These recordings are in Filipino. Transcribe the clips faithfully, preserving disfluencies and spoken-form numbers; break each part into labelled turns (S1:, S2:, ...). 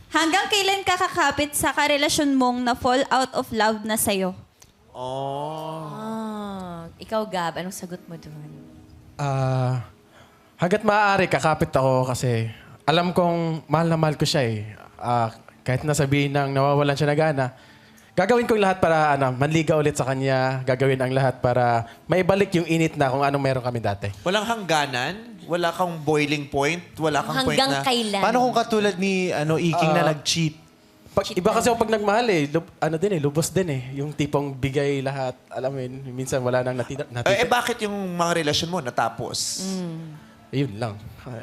S1: Hanggang kailan ka kakapit sa karelasyon mong na fall out of love na sa'yo?
S2: Oh.
S3: Ah, ikaw, Gab, anong sagot mo doon?
S4: Ah, hanggat maaari, kakapit ako kasi alam kong mahal na mahal ko siya eh. Ah, kahit nasabihin nang nawawalan siya na gana, gagawin ko yung lahat para ano, manliga ulit sa kanya. Gagawin ang lahat para maibalik yung init na kung anong meron kami dati.
S2: Walang hangganan? Wala kang boiling point? Wala kang point
S3: Hanggang
S2: na...
S3: kailan?
S5: Paano kung katulad ni ano Iking na nag-cheat?
S4: Pag, iba kasi ako pag nagmahal eh, lub- ano din eh, lubos din eh. Yung tipong bigay lahat, alam mo yun, minsan wala nang natita. natita.
S2: Eh, eh, bakit yung mga relasyon mo natapos?
S4: Ayun lang.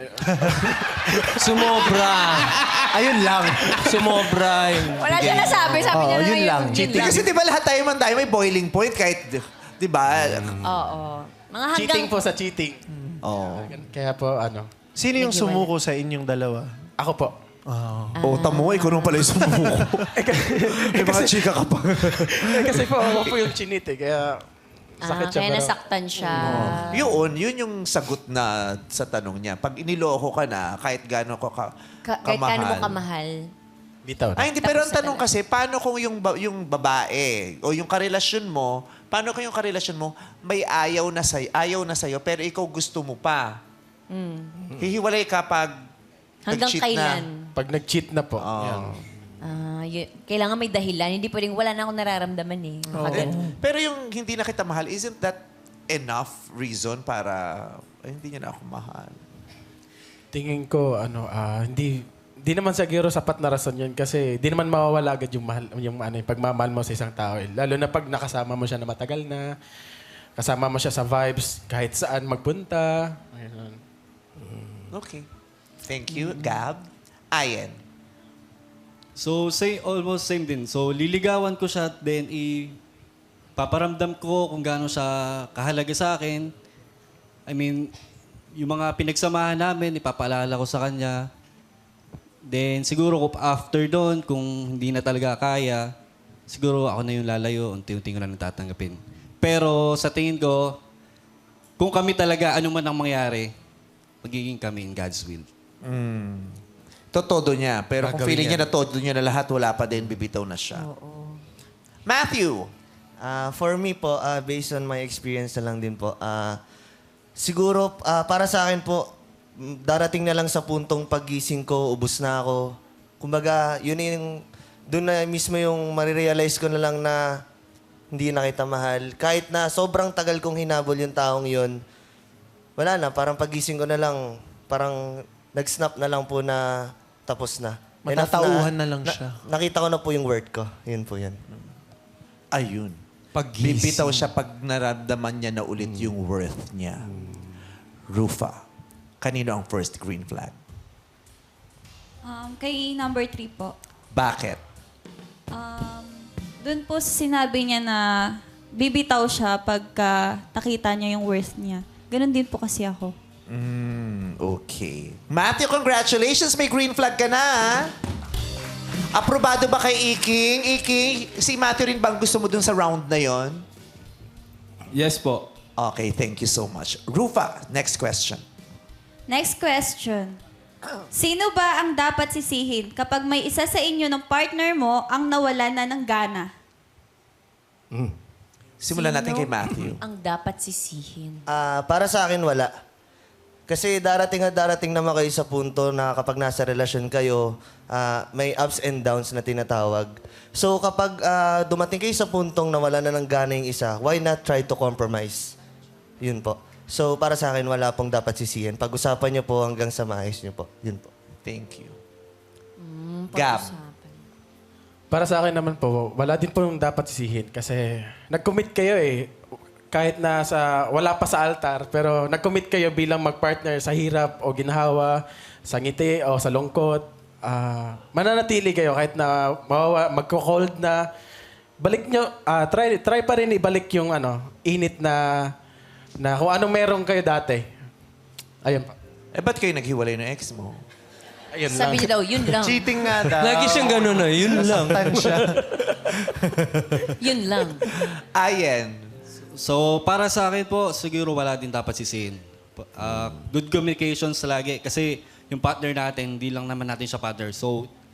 S6: Sumobra.
S5: Ayun lang.
S6: Sumobra. yung
S3: Wala siya
S6: bigay.
S3: nasabi. Sabi niya
S5: Oo,
S3: na
S5: yun lang.
S3: Yun
S2: Di,
S3: lang.
S2: kasi di ba lahat tayo man tayo may boiling point kahit... Di ba?
S3: Oo. Mga hanggang...
S4: Cheating po sa cheating.
S2: Oh.
S4: Kaya po, ano,
S5: Sino yung
S3: Naghiwalay.
S5: sumuko sa inyong dalawa?
S4: ako po.
S2: Oh, tamo, ikaw nung pala yung sumuko. May mga chika ka pa.
S4: Eh, kasi po, ako po yung chinit eh, kaya sakit
S3: Ah,
S4: siya.
S3: kaya
S4: pero-
S3: nasaktan siya.
S2: Yun, yun yung sagot na sa tanong niya. Pag iniloko ka na, kahit gano'n ko ka,
S3: Ka- kahit kano mo
S2: kamahal.
S3: kamahal.
S4: Bitaw na.
S2: Ay, hindi. Pero ang
S3: Tapos na
S2: tanong
S3: pala.
S2: kasi, paano kung yung, ba- yung babae o yung karelasyon mo, paano kung yung karelasyon mo may ayaw na sa'yo, ayaw na sa'yo pero ikaw gusto mo pa? Hihiwalay ka pag
S3: Hanggang
S2: nag-cheat
S3: kailan?
S2: na.
S4: Pag nag-cheat na po.
S2: Oo.
S4: yan.
S3: Ah, y- kailangan may dahilan. Hindi pwedeng wala na akong nararamdaman eh. Mga
S2: Eh,
S3: ganun.
S2: pero yung hindi na kita mahal, isn't that enough reason para ay, hindi niya na ako mahal?
S4: Tingin ko, ano, ah, hindi, hindi naman siguro sapat na rason yun kasi di naman mawawala agad yung, mahal, yung ano, yung pagmamahal mo sa isang tao. Eh. Lalo na pag nakasama mo siya na matagal na, kasama mo siya sa vibes kahit saan magpunta. Ayun.
S2: Okay. Thank you, Gab. Ayen.
S7: So, say, almost same din. So, liligawan ko siya, then i paparamdam ko kung gaano siya kahalaga sa akin. I mean, yung mga pinagsamahan namin, ipapaalala ko sa kanya. Then, siguro kung after doon, kung hindi na talaga kaya, siguro ako na yung lalayo, unti-unti ko na natatanggapin. Pero sa tingin ko, kung kami talaga, ano man ang mangyari, magiging kami in God's will.
S2: Totodo niya. Pero kung
S4: Gagawin
S2: feeling niya
S4: niya.
S2: na todo niya na lahat, wala pa din, bibitaw na siya. Matthew.
S8: Ah, for me po, ah, based on my experience na lang din po, ah, siguro ah, para sa akin po, mm, darating na lang sa puntong paggising ko, ubus na ako. Kumbaga, yun yung, doon na mismo yung marirealize ko na lang na hindi na kita mahal. Kahit na sobrang tagal kong hinabol yung taong yun, wala na, parang pagising ko na lang, parang nag-snap na lang po na tapos na. Enough
S5: Matatauhan na lang siya.
S8: Nakita ko na po yung worth ko. Yun po yun.
S2: Ayun.
S6: Paggising.
S2: Bibitaw siya pag naramdaman niya na ulit yung worth niya. Rufa. Kanino ang first green flag?
S1: Um, kay number three po.
S2: Bakit?
S1: Um, Doon po sinabi niya na bibitaw siya pagka nakita niya yung worth niya. Ganon din po kasi ako.
S2: Mm, okay. Matthew, congratulations! May green flag ka na, ha? Aprobado ba kay Iking? Iking, si Matthew rin bang gusto mo dun sa round na yon?
S7: Yes po.
S2: Okay, thank you so much. Rufa, next question.
S1: Next question. Sino ba ang dapat sisihin kapag may isa sa inyo ng partner mo ang nawala na ng gana?
S2: Simulan natin
S3: Sino
S2: kay Matthew.
S3: ang dapat sisihin?
S8: Ah, para sa akin, wala. Kasi darating at darating naman kayo sa punto na kapag nasa relasyon kayo, ah, may ups and downs na tinatawag. So kapag ah, dumating kayo sa puntong nawala na ng gana yung isa, why not try to compromise? Yun po. So para sa akin, wala pong dapat sisihin. Pag-usapan niyo po hanggang sa maayos niyo po. Yun po.
S2: Thank you.
S3: Hmm,
S2: Gab.
S3: pag-usapan.
S4: Para sa akin naman po, wala din po yung dapat sisihin kasi nag-commit kayo eh. Kahit na sa, wala pa sa altar, pero nag-commit kayo bilang mag-partner sa hirap o ginhawa, sa ngiti o sa lungkot. Ah, mananatili kayo kahit na mawawa, magko-cold na. Balik nyo, ah, try, try pa rin ibalik yung ano, init na, na kung anong meron kayo dati. Ayun pa.
S2: Eh, ba't kayo naghiwalay ng ex mo?
S4: Ayun
S3: Sabi
S4: lang.
S3: niya daw, yun lang.
S5: Cheating nga daw.
S6: Lagi siyang gano'n na, yun lang.
S5: Nasaktan siya.
S3: Yun lang.
S2: Ayen.
S7: So, para sa akin po, siguro wala din dapat sisihin. Ah, good communications lagi. Kasi yung partner natin, hindi lang naman natin siya partner. So,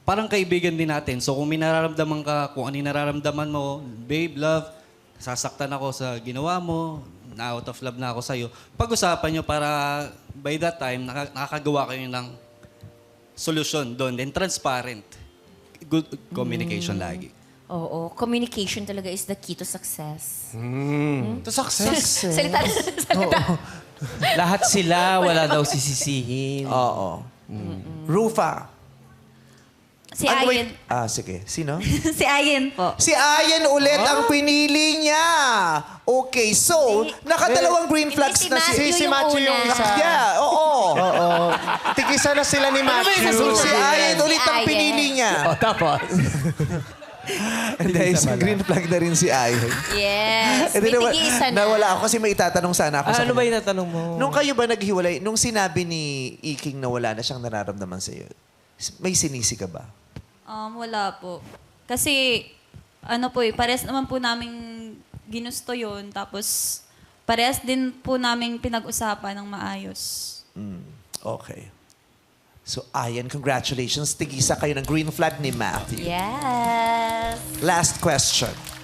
S7: parang kaibigan din natin. So kung may nararamdaman ka, kung ano yung nararamdaman mo, babe, love, sasaktan ako sa ginawa mo, na out of love na ako sa'yo, pag-usapan nyo para by that time, naka- nakakagawa kayo ng solusyon doon. Then transparent. Good communication lagi.
S3: Oo, communication talaga is the key to success.
S5: To success.
S3: Salita na salita.
S6: Lahat sila, wala daw sisisihin.
S2: Oo. Rufa.
S1: Si
S2: Ano,
S1: Ayen.
S2: wait. Ah, sige. Sino?
S1: Si Ayen po.
S2: Si Ayen ulit ang pinili niya. Okay, so, nakadalawang green
S3: Hindi,
S2: flags
S3: si
S2: na
S3: Matthew
S2: si...
S5: Si
S3: yung
S5: Matthew yung
S3: una.
S5: isa.
S2: Yeah, oo.
S5: Oo. Tigisa na sila ni Matthew.
S2: So, si Ayen
S3: Si
S2: ulit ang
S3: Ayen.
S2: pinili niya.
S4: O, tapos.
S2: Hindi, isang green flag na rin si Ayen.
S3: Yes.
S2: Eh, di
S3: May
S2: nawa-
S3: tig-iisa na.
S2: Nawala ako kasi may itatanong sana ako
S6: Ah,
S2: sa
S6: ano ba
S2: kanya.
S6: yung tatanong mo?
S2: Nung kayo ba naghiwalay, nung sinabi ni Iking na wala na siyang nararamdaman sa'yo, may sinisi ka ba?
S1: Um, wala po. Kasi, ano po eh, parehas naman po namin ginusto yun. Tapos, parehas din po namin pinag-usapan ng maayos.
S2: Mm, okay. So, Ayan, congratulations. Tigisa kayo ng green flag ni Matthew.
S3: Yes.
S2: Last question.